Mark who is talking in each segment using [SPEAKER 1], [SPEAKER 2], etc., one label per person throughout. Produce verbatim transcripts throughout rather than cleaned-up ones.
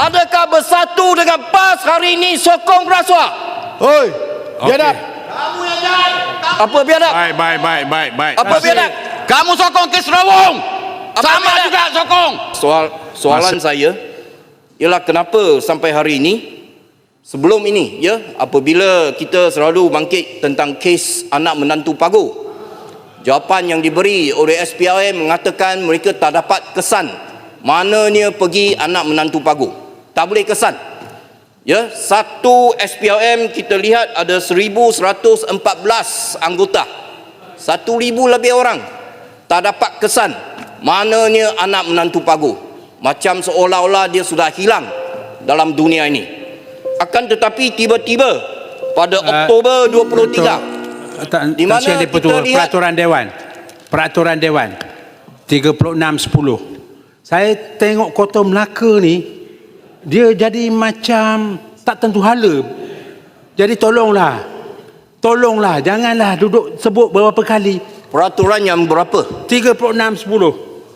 [SPEAKER 1] Adakah bersatu dengan PAS hari ini sokong rasuah?
[SPEAKER 2] Oi, biadab.
[SPEAKER 1] Kamu yang jahat. Apa biadab?
[SPEAKER 3] Baik, baik, baik, baik, baik.
[SPEAKER 1] Apa biadab?
[SPEAKER 4] Kamu sokong kes Rawong. Sama
[SPEAKER 1] biadab?
[SPEAKER 4] juga sokong.
[SPEAKER 1] Soal soalan
[SPEAKER 3] Masa.
[SPEAKER 1] saya ialah kenapa sampai hari ini, sebelum ini ya, apabila kita selalu bangkit tentang kes anak menantu Pagu, jawapan yang diberi oleh S P R M mengatakan mereka tak dapat kesan mananya pergi anak menantu Pagu. Tak boleh kesan. Ya, satu S P R M kita lihat ada seribu seratus empat belas anggota. Satu ribu lebih orang tak dapat kesan mananya anak menantu Pagu. Macam seolah-olah dia sudah hilang dalam dunia ini. Akan tetapi tiba-tiba pada uh, Oktober dua puluh tiga
[SPEAKER 5] Tak,
[SPEAKER 1] di mana
[SPEAKER 5] kita
[SPEAKER 1] kita lihat
[SPEAKER 5] peraturan Dewan, peraturan Dewan tiga puluh enam sepuluh. Saya tengok Kota Melaka ni, dia jadi macam tak tentu hala. Jadi tolonglah, tolonglah, janganlah duduk sebut beberapa kali.
[SPEAKER 1] peraturan yang berapa?
[SPEAKER 5] tiga puluh enam sepuluh.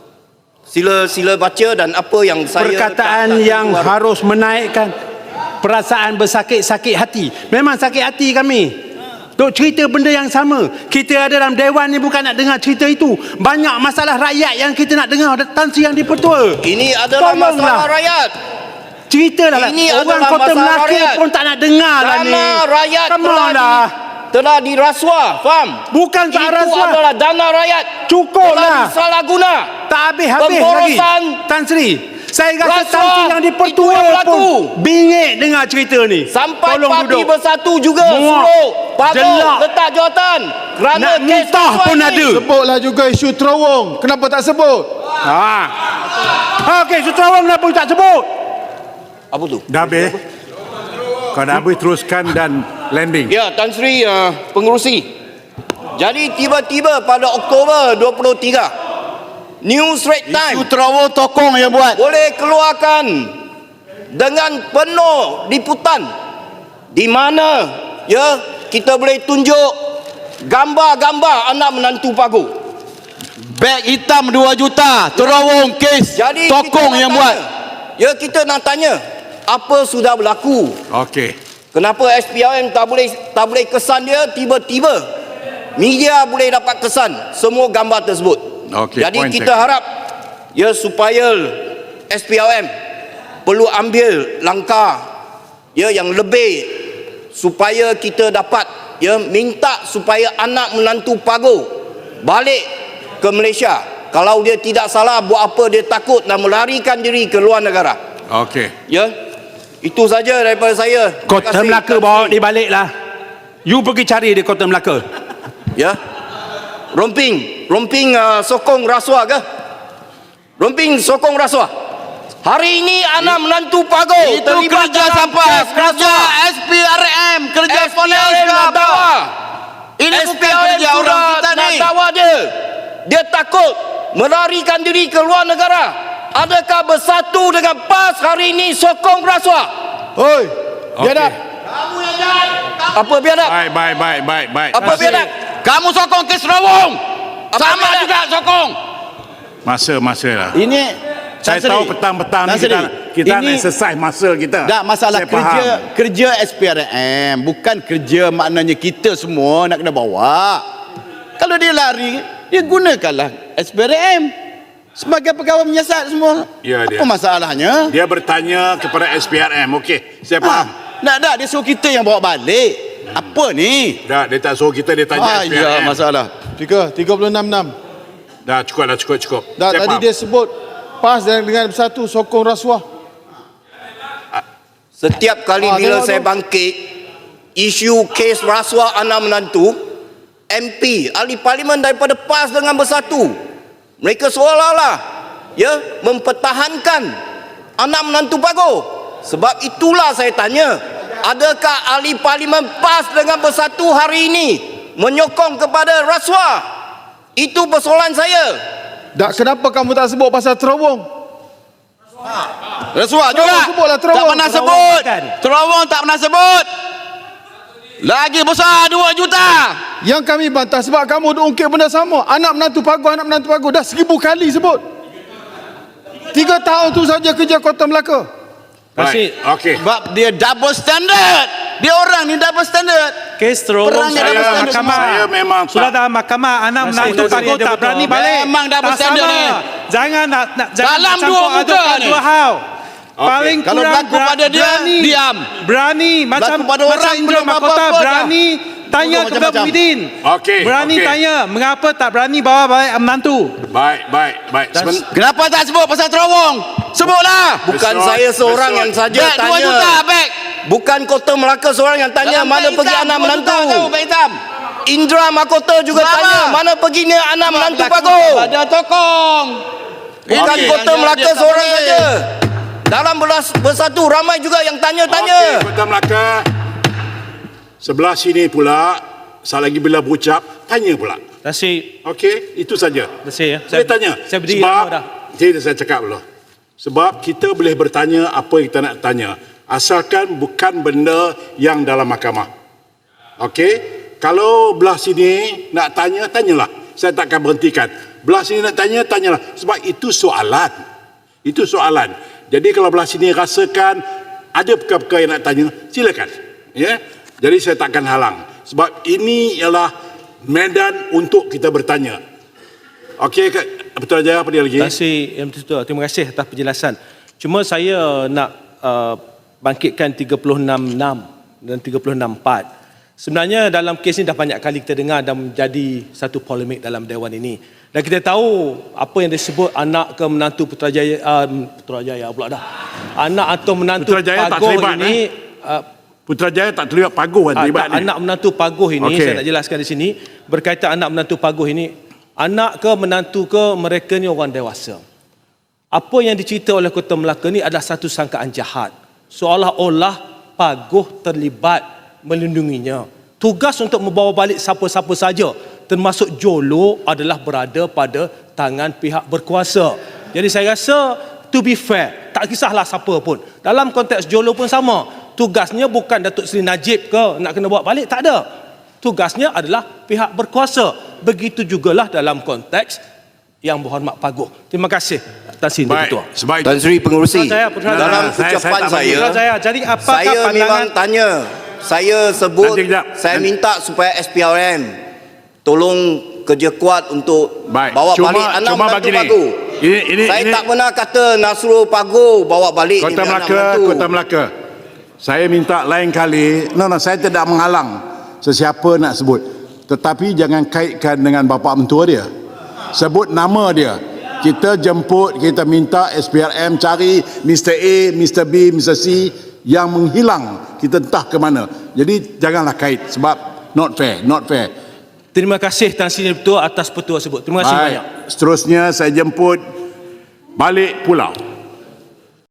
[SPEAKER 1] Sila sila baca dan apa yang saya
[SPEAKER 5] Perkataan
[SPEAKER 1] tak- tak
[SPEAKER 5] yang
[SPEAKER 1] tentu
[SPEAKER 5] harus menaikkan perasaan bersakit-sakit hati. Memang sakit hati kami. Duk cerita benda yang sama. Kita ada dalam Dewan ni bukan nak dengar cerita itu. Banyak masalah rakyat yang kita nak dengar. Tan Sri Yang Di-Pertua.
[SPEAKER 1] Ini adalah
[SPEAKER 5] Tolonglah.
[SPEAKER 1] masalah rakyat.
[SPEAKER 5] Ceritalah lah.
[SPEAKER 1] Ini
[SPEAKER 5] Orang
[SPEAKER 1] adalah
[SPEAKER 5] Kota
[SPEAKER 1] masalah
[SPEAKER 5] Melaka
[SPEAKER 1] rakyat.
[SPEAKER 5] pun tak nak dengar lah ni.
[SPEAKER 1] Dana rakyat
[SPEAKER 5] Come
[SPEAKER 1] telah,
[SPEAKER 5] on
[SPEAKER 1] di,
[SPEAKER 5] lah.
[SPEAKER 1] telah dirasuah, faham?
[SPEAKER 5] Bukan tak
[SPEAKER 1] Itu
[SPEAKER 5] rasuah.
[SPEAKER 1] adalah dana rakyat.
[SPEAKER 5] Cukup
[SPEAKER 1] telah
[SPEAKER 5] lah.
[SPEAKER 1] disalah guna.
[SPEAKER 5] Tak habis-habis lagi.
[SPEAKER 1] Pemborosan
[SPEAKER 5] Tan Sri, saya rasa
[SPEAKER 1] rasuah
[SPEAKER 5] Tan Sri Yang
[SPEAKER 1] itu
[SPEAKER 5] Di-Pertua
[SPEAKER 1] yang berlaku.
[SPEAKER 5] pun bingit dengar cerita ni.
[SPEAKER 1] Sampai
[SPEAKER 5] Tolong
[SPEAKER 1] parti
[SPEAKER 5] duduk.
[SPEAKER 1] bersatu juga
[SPEAKER 5] Muak.
[SPEAKER 1] suruh Pagu
[SPEAKER 5] Jelak.
[SPEAKER 1] letak jawatan. Kerana
[SPEAKER 5] Nak
[SPEAKER 1] kes
[SPEAKER 5] muntah
[SPEAKER 1] rasuah
[SPEAKER 5] pun
[SPEAKER 1] ini.
[SPEAKER 5] ada.
[SPEAKER 2] Sebutlah juga isu Terawong. Kenapa tak sebut?
[SPEAKER 5] Ha. Okey, Suterawang kenapa tak sebut?
[SPEAKER 1] Apa tu?
[SPEAKER 3] Dah habis? Kau dah habis, teruskan dan landing.
[SPEAKER 1] Ya, Tan Sri uh, pengerusi. Jadi tiba-tiba pada Oktober dua puluh tiga, New Straits Times
[SPEAKER 4] Isu Terawong tokong yang buat.
[SPEAKER 1] boleh keluarkan dengan penuh liputan di mana ya kita boleh tunjuk gambar-gambar anak menantu Pagu.
[SPEAKER 4] Beg hitam dua juta. Terawong kes
[SPEAKER 1] Jadi kita
[SPEAKER 4] tokong
[SPEAKER 1] nak
[SPEAKER 4] yang
[SPEAKER 1] tanya,
[SPEAKER 4] buat.
[SPEAKER 1] ya kita nak tanya apa sudah berlaku?
[SPEAKER 3] Okey.
[SPEAKER 1] Kenapa S P R M tak boleh tak boleh kesan dia, tiba-tiba media boleh dapat kesan semua gambar tersebut.
[SPEAKER 3] Okey,
[SPEAKER 1] Jadi
[SPEAKER 3] point
[SPEAKER 1] kita
[SPEAKER 3] check.
[SPEAKER 1] harap ya supaya S P R M perlu ambil langkah ya yang lebih supaya kita dapat ya minta supaya anak menantu Pagu balik ke Malaysia. Kalau dia tidak salah buat apa dia takut dan melarikan diri ke luar negara.
[SPEAKER 3] Okey.
[SPEAKER 1] Ya. Itu saja daripada saya. Terima
[SPEAKER 5] Kota
[SPEAKER 1] kasih,
[SPEAKER 5] Melaka
[SPEAKER 1] Tan
[SPEAKER 5] bawa
[SPEAKER 1] Sri.
[SPEAKER 5] dia balik lah. You pergi cari di Kota Melaka.
[SPEAKER 1] Ya. Romping, romping uh, sokong rasuah ke? Romping sokong rasuah. Hari ini anak menantu Pagu
[SPEAKER 4] Itu
[SPEAKER 1] terlibat
[SPEAKER 4] kerja
[SPEAKER 1] dalam
[SPEAKER 4] siapa?
[SPEAKER 1] kes
[SPEAKER 4] Kerja
[SPEAKER 1] rasuah.
[SPEAKER 4] S P R M. Kerja
[SPEAKER 1] S P
[SPEAKER 4] polis
[SPEAKER 1] R M
[SPEAKER 4] ke
[SPEAKER 1] nak
[SPEAKER 4] apa?
[SPEAKER 1] dawa.
[SPEAKER 4] Ini
[SPEAKER 1] S P
[SPEAKER 4] bukan
[SPEAKER 1] R M
[SPEAKER 4] kerja orang
[SPEAKER 1] sudah
[SPEAKER 4] kita
[SPEAKER 1] nak
[SPEAKER 4] ni.
[SPEAKER 1] dawa dia. Dia takut melarikan diri ke luar negara. Adakah bersatu dengan PAS hari ini sokong rasuah?
[SPEAKER 2] Oi, biadab.
[SPEAKER 1] Kamu yang jahat. Apa biadab?
[SPEAKER 3] Baik, baik, baik, baik, baik.
[SPEAKER 1] Apa biadab?
[SPEAKER 4] Kamu sokong kes Rawong.
[SPEAKER 1] Apa
[SPEAKER 4] Sama
[SPEAKER 1] biadab?
[SPEAKER 4] juga sokong.
[SPEAKER 3] Masa, masa lah.
[SPEAKER 4] Ini
[SPEAKER 3] Saya
[SPEAKER 4] Tan Sri,
[SPEAKER 3] tahu petang-petang
[SPEAKER 4] Tan
[SPEAKER 3] ni kita,
[SPEAKER 4] Sri,
[SPEAKER 3] kita nak
[SPEAKER 4] ini
[SPEAKER 3] exercise masa kita.
[SPEAKER 4] tak masalah
[SPEAKER 3] Saya
[SPEAKER 4] kerja
[SPEAKER 3] faham.
[SPEAKER 4] kerja S P R M, bukan kerja maknanya kita semua nak kena bawa. Kalau dia lari, dia gunakanlah S P R M sebagai pegawai menyiasat semua.
[SPEAKER 3] Ya, dia.
[SPEAKER 4] Apa masalahnya?
[SPEAKER 3] Dia bertanya kepada S P R M. Okey, saya faham.
[SPEAKER 4] Ha, nak tak dia suruh kita yang bawa balik. Apa ni?
[SPEAKER 3] Dah, dia tak suruh kita, dia tanya
[SPEAKER 4] Ah,
[SPEAKER 3] S P R M.
[SPEAKER 4] ya, masalah.
[SPEAKER 2] Tiga, tiga puluh enam enam.
[SPEAKER 3] Dah, cukup dah, cukup, cukup.
[SPEAKER 2] Dah,
[SPEAKER 3] Saya
[SPEAKER 2] tadi
[SPEAKER 3] faham.
[SPEAKER 2] dia sebut PAS dengan, dengan bersatu sokong rasuah.
[SPEAKER 1] Setiap kali
[SPEAKER 2] Ah,
[SPEAKER 1] bila
[SPEAKER 2] tengok
[SPEAKER 1] saya
[SPEAKER 2] tu.
[SPEAKER 1] bangkit isu kes rasuah anak menantu, M P ahli parlimen daripada PAS dengan bersatu, mereka seolah-olah ya mempertahankan anak menantu Pagu. Sebab itulah saya tanya, adakah ahli parlimen PAS dengan bersatu hari ini menyokong kepada rasuah? Itu persoalan saya.
[SPEAKER 2] Tak, kenapa kamu tak sebut pasal Terawong?
[SPEAKER 4] Rasuah juga.
[SPEAKER 2] Terawong sebutlah,
[SPEAKER 4] Tak
[SPEAKER 2] Terawong.
[SPEAKER 4] pernah
[SPEAKER 5] Terawong
[SPEAKER 4] sebut.
[SPEAKER 5] bukan.
[SPEAKER 4] Terawong tak pernah sebut. Lagi besar dua juta.
[SPEAKER 2] Yang kami bantah sebab kamu duk ungkit benda sama. Anak menantu Pagu, anak menantu Pagu. Dah seribu kali sebut. Tiga tahun tu saja kerja Kota Melaka.
[SPEAKER 3] Baik. Okey.
[SPEAKER 4] Sebab dia double standard. Dia orang ni double standard.
[SPEAKER 6] Kes terowong
[SPEAKER 4] Perangnya
[SPEAKER 6] saya
[SPEAKER 4] double standard
[SPEAKER 6] mahkamah.
[SPEAKER 3] semua. Saya memang
[SPEAKER 6] Sudah
[SPEAKER 3] tak-
[SPEAKER 6] dalam mahkamah anak
[SPEAKER 4] Masih
[SPEAKER 6] menantu
[SPEAKER 4] ada
[SPEAKER 6] pago
[SPEAKER 4] dia
[SPEAKER 6] tak
[SPEAKER 4] betul.
[SPEAKER 6] berani balik.
[SPEAKER 4] Memang double
[SPEAKER 6] Tak
[SPEAKER 4] standard
[SPEAKER 6] sama.
[SPEAKER 4] ni.
[SPEAKER 6] Jangan nak, nak jangan
[SPEAKER 4] Dalam
[SPEAKER 6] campur
[SPEAKER 4] dua muka
[SPEAKER 6] adukkan
[SPEAKER 4] ni.
[SPEAKER 6] dua hal. Paling
[SPEAKER 4] Kalau
[SPEAKER 6] kurang
[SPEAKER 4] berlaku pada dia,
[SPEAKER 6] berani,
[SPEAKER 4] diam.
[SPEAKER 6] Berani macam
[SPEAKER 4] Berlaku pada
[SPEAKER 6] macam
[SPEAKER 4] orang
[SPEAKER 6] Indra
[SPEAKER 4] belum
[SPEAKER 6] Mahkota
[SPEAKER 4] apa-apa dah.
[SPEAKER 6] berani tanya
[SPEAKER 4] Bodoh
[SPEAKER 6] kepada
[SPEAKER 4] macam-macam.
[SPEAKER 6] Muhyiddin.
[SPEAKER 3] Okey,
[SPEAKER 6] Berani
[SPEAKER 3] okey.
[SPEAKER 6] tanya mengapa tak berani bawa balik menantu.
[SPEAKER 3] Baik, baik, baik. Seben-
[SPEAKER 4] Kenapa tak sebut pasal terowong? Sebutlah.
[SPEAKER 1] Bukan
[SPEAKER 3] Besok-
[SPEAKER 1] saya seorang
[SPEAKER 3] besok-
[SPEAKER 1] yang saja
[SPEAKER 4] Beg dua
[SPEAKER 1] tanya.
[SPEAKER 4] juta, beg.
[SPEAKER 1] Bukan Kota Melaka seorang yang tanya
[SPEAKER 4] Dalam
[SPEAKER 1] mana
[SPEAKER 4] beg
[SPEAKER 1] pergi
[SPEAKER 4] hitam,
[SPEAKER 1] anak
[SPEAKER 4] dua
[SPEAKER 1] menantu.
[SPEAKER 4] juta tahu, beg hitam.
[SPEAKER 1] Indra Mahkota juga
[SPEAKER 4] Berapa?
[SPEAKER 1] tanya mana perginya anak menantu
[SPEAKER 4] Berlaku
[SPEAKER 1] Pago.
[SPEAKER 4] Ada tokong.
[SPEAKER 1] Bukan
[SPEAKER 3] Okey.
[SPEAKER 1] Kota
[SPEAKER 4] Yang
[SPEAKER 1] Melaka
[SPEAKER 4] dia tak
[SPEAKER 1] seorang
[SPEAKER 4] boleh.
[SPEAKER 1] saja. Dalam belas- bersatu ramai juga yang
[SPEAKER 3] Okey,
[SPEAKER 1] tanya-tanya.
[SPEAKER 3] Kota Melaka. Sebelah sini pula, saya lagi bila berucap, tanya pula.
[SPEAKER 6] Terima kasih.
[SPEAKER 3] Okey, itu saja.
[SPEAKER 6] Terima kasih ya.
[SPEAKER 3] Saya tanya.
[SPEAKER 6] Saya berdiri
[SPEAKER 3] Sebab,
[SPEAKER 6] lama dah.
[SPEAKER 3] Tidak, saya cakap dulu. Sebab kita boleh bertanya apa yang kita nak tanya. Asalkan bukan benda yang dalam mahkamah. Okey? Kalau belah sini nak tanya, tanyalah. Saya takkan berhentikan. Belah sini nak tanya, tanyalah. Sebab itu soalan. Itu soalan. Jadi kalau belah sini rasakan ada perkara-perkara yang nak tanya, silakan. Ya? Jadi saya takkan halang. Sebab ini ialah medan untuk kita bertanya. Okey, Kak- Betul Jaya, apa dia lagi?
[SPEAKER 6] Terima kasih Yang Betul. Terima kasih atas penjelasan. Cuma saya nak uh, bangkitkan tiga puluh enam enam dan tiga puluh enam empat. Sebenarnya dalam kes ini dah banyak kali kita dengar dan menjadi satu polemik dalam Dewan ini. Dan kita tahu apa yang disebut anak ke menantu Putrajaya, uh, Putrajaya pula dah. Anak atau menantu
[SPEAKER 3] Putrajaya tak
[SPEAKER 6] Pagoh
[SPEAKER 3] terlibat,
[SPEAKER 6] ini uh,
[SPEAKER 3] Putrajaya tak terlibat Pagoh kan
[SPEAKER 6] Ah,
[SPEAKER 3] terlibat
[SPEAKER 6] tak,
[SPEAKER 3] ni.
[SPEAKER 6] anak menantu Pagoh ini,
[SPEAKER 3] Okey.
[SPEAKER 6] saya nak jelaskan di sini, berkaitan anak menantu Pagoh ini, anak ke menantu ke mereka ni orang dewasa. Apa yang dicerita oleh Kota Melaka ni adalah satu sangkaan jahat. Seolah-olah Pagoh terlibat melindunginya. Tugas untuk membawa balik siapa-siapa saja, termasuk Jolo, adalah berada pada tangan pihak berkuasa. Jadi saya rasa, to be fair, tak kisahlah siapa pun. Dalam konteks Jolo pun sama. Tugasnya bukan Datuk Seri Najib ke nak kena bawa balik, tak ada. Tugasnya adalah pihak berkuasa. Begitu jugalah dalam konteks Yang Berhormat Pagoh. Terima kasih atas ini,
[SPEAKER 3] Baik,
[SPEAKER 6] Ketua.
[SPEAKER 3] sebab
[SPEAKER 1] Tan Sri Pengerusi,
[SPEAKER 6] Putra Jaya, Putra Jaya.
[SPEAKER 1] dalam
[SPEAKER 3] Saya- saya
[SPEAKER 1] ucapan
[SPEAKER 3] tak
[SPEAKER 1] saya,
[SPEAKER 6] Putra Jaya, jadi apakah
[SPEAKER 1] saya
[SPEAKER 6] pandangan
[SPEAKER 1] memang tanya, saya sebut,
[SPEAKER 3] Nanti kejap.
[SPEAKER 1] saya
[SPEAKER 3] Nanti.
[SPEAKER 1] minta supaya S P R M tolong kerja kuat untuk
[SPEAKER 3] Baik,
[SPEAKER 1] bawa
[SPEAKER 3] cuma-
[SPEAKER 1] balik anak
[SPEAKER 3] cuma
[SPEAKER 1] menantu
[SPEAKER 3] begini.
[SPEAKER 1] Pagoh.
[SPEAKER 3] Ini- ini-
[SPEAKER 1] saya
[SPEAKER 3] ini-
[SPEAKER 1] tak pernah kata Nasrul Pagoh bawa balik
[SPEAKER 3] Kota
[SPEAKER 1] ni anak
[SPEAKER 3] Melaka,
[SPEAKER 1] menantu.
[SPEAKER 3] Kota Melaka. Saya minta lain kali, no, no, saya tidak menghalang sesiapa nak sebut. Tetapi jangan kaitkan dengan bapa mentua dia. Sebut nama dia. Kita jemput, kita minta S P R M cari Mister A, Mister B, Mister C yang menghilang. Kita entah ke mana. Jadi janganlah kait sebab not fair, not fair.
[SPEAKER 6] terima kasih Tan Sri Betul atas petua tersebut. Terima kasih banyak.
[SPEAKER 3] Baik, seterusnya saya jemput balik pulau.